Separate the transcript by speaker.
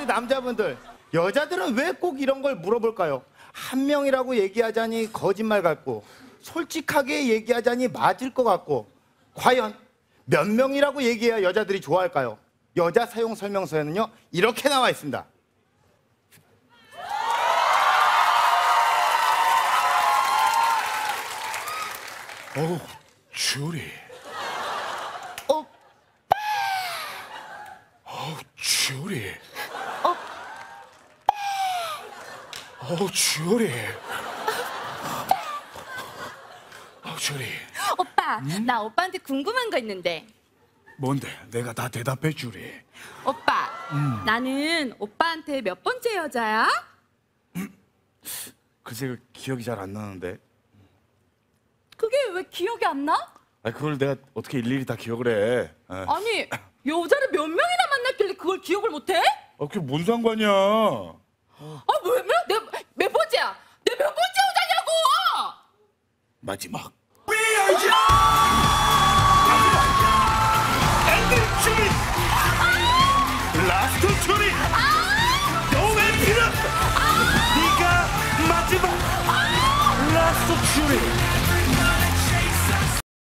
Speaker 1: 우리 남자분들, 여자들은 왜 꼭 이런 걸 물어볼까요? 한 명이라고 얘기하자니 거짓말 같고, 솔직하게 얘기하자니 맞을 것 같고, 과연 몇 명이라고 얘기해야 여자들이 좋아할까요? 여자 사용 설명서에는요, 이렇게 나와 있습니다.
Speaker 2: 어우, 주리.
Speaker 1: 오빠!
Speaker 2: 어우, 주리.
Speaker 1: 오빠!
Speaker 2: 어우, 주리. 어우, 주리.
Speaker 3: 오빠, 나 오빠한테 궁금한 거 있는데.
Speaker 2: 뭔데? 내가 다 대답해 주리.
Speaker 3: 오빠, 나는 오빠한테 몇 번째 여자야?
Speaker 2: 글쎄, 그 기억이 잘 안 나는데.
Speaker 3: 그게 왜 기억이 안 나?
Speaker 2: 아니, 그걸 내가 어떻게 일일이 다 기억을 해?
Speaker 3: 아니, 여자를 몇 명이나 만났길래 그걸 기억을 못해?
Speaker 2: 그게 뭔 상관이야?
Speaker 3: 아, 왜? 내가 몇 번째야? 내가 몇 번째 여자냐고!
Speaker 2: 마지막.